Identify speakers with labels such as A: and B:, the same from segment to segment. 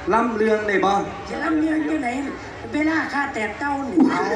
A: ล้ำเรื่องได้บ่
B: จะล้ำเรื่องที่ไหนเวลาข้าแต่เต้าหนิเอา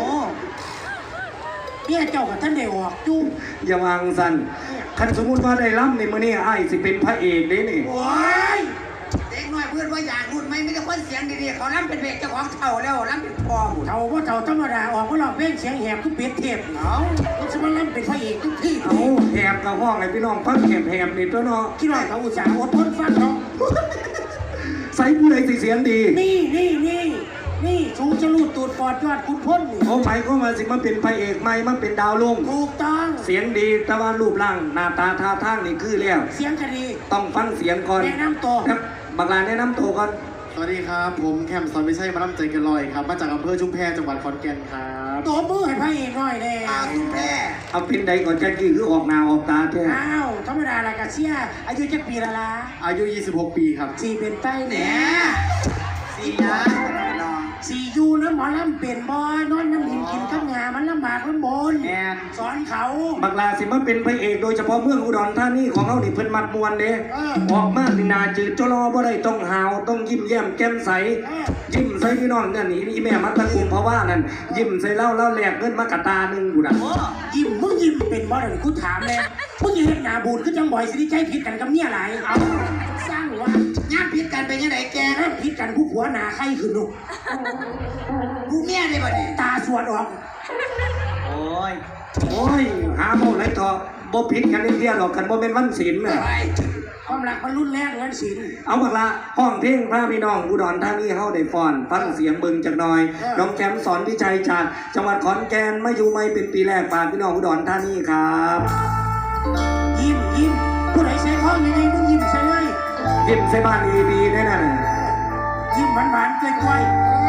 B: เนี่ยเจ้ากับท่านได้ออกจุ้ง
A: อย่าวางสันคันสมมุติว่าได้ล้ำในมื้อนี้อ้ายสิเป็นพระเอกเด้นี่
B: โอ้ยเด็กน้อยเพื่อนว่าอยากรุ่นไหมไม่ได้คนเสียงดีๆเขาล้ำเป็นเบรกเจ้าของเท่าแล้วล้ำเป็นพอเท่าว่าเท่าธรรมดาออกมาหลอกเพลงเสียงแหบก็เปลี่ยนเทปเอาก็จะมาล้ำเป็นพระเอกทุกที่
A: เอาแหบกับห้องไอ้พี่น้องฟังแหบนี่ตัวเนาะ
B: คิดว่าเขาอุตส่าห์อดทนฟังเนาะ
A: ใส่ผู้ใดสิเสียงดี
B: นี่ชูจะลูดตูดปอดยอดคุณพ้น
A: โอ้หมายก็มาสิมันเป็นพระเอกใหม่มันเป็นดาวลุ่ง
B: ถูกต้อง
A: เสียงดีแต่ว่ารูปร่างหน้าตาท่าทางนี่คือแล้ว
B: เสียงคดี
A: ต้องฟังเสียงก่อน
B: แนะนำตัว
A: ครับบักลาแนะนำตัวก่อน
C: สวัสดีครับผมแคมสอนวิชัยมาล่ำใจกันลอยครับมาจากอำเภอชุมแพจังหวัดขอนแก่นครับ
B: ตัวมือให้พระเอกหน่อยเลยชุมแพ
A: เอาเป็นใดก่อนจะกี่คือออกหน้าออกตาแท้
B: อ้าวธรรมดาละกะเชียอายุจะปีละ
C: อายุ26 ปีครับ
B: สี่เป็นใต้เนี่ยสี่ยูนะหมอลำเป็นบอนอนน้ำหินกินข้าวงามันลำบากลำบนสอนเขา
A: บักลาสิมาเป็นพระเอกโดยเฉพาะเมืองอุดรธานีของเขานี่เพิ่นมัดมวนเด้ออกมานี่นาจืดจลอบ่ได้ต้องหาวต้องยิ้มแย้มแก้มใสยิ้มใส่พี่น้องนั่นนี่อีแม่มัดตะกุมเพราะว่านั่นยิ้มใส่เล่าแหลกเงินมากระตาหนึ่งอยู่น่ะ
B: ยิ้มมึงยิ้มเป็นบ่ได้กูถามเลยมึงยังเห็นหน้าบูดคือจังบ่อยสิใจผิดกันกับเมียหลายเอาสร้างว่าญาติผิดกันเป็นยังไงแกนะผิดกันผู้ผัวหนาใครขึ้นลูกผู้เมียเลยบ่ดิตาสวดออก
A: โอ้ยหาโมไรต่อบ่ผิดกันเรียกหรอกกันบ่เป็นวันศีลน่ะ
B: ความรักมันรุ่นแรกวันศีล
A: เอาบักละห้องเพลงพระพี่น้องอุดรธานีเฮาได้ฟ้อนฟังเสียงเบิ่งจักหน่อยน้องแคมสอนวิชัยจากจังหวัดขอนแก่นมาอยู่ใหม่เป็นปีแรกฝากพี่น้องอุดรธานีครับ
B: ยิ้มผู้ใดใส่ข้อยังไงมึงยิ้มใส่เลย
A: ยิ้มใส่บ้านดีๆแน่นอน
B: ยิ้มหวานๆกล้วย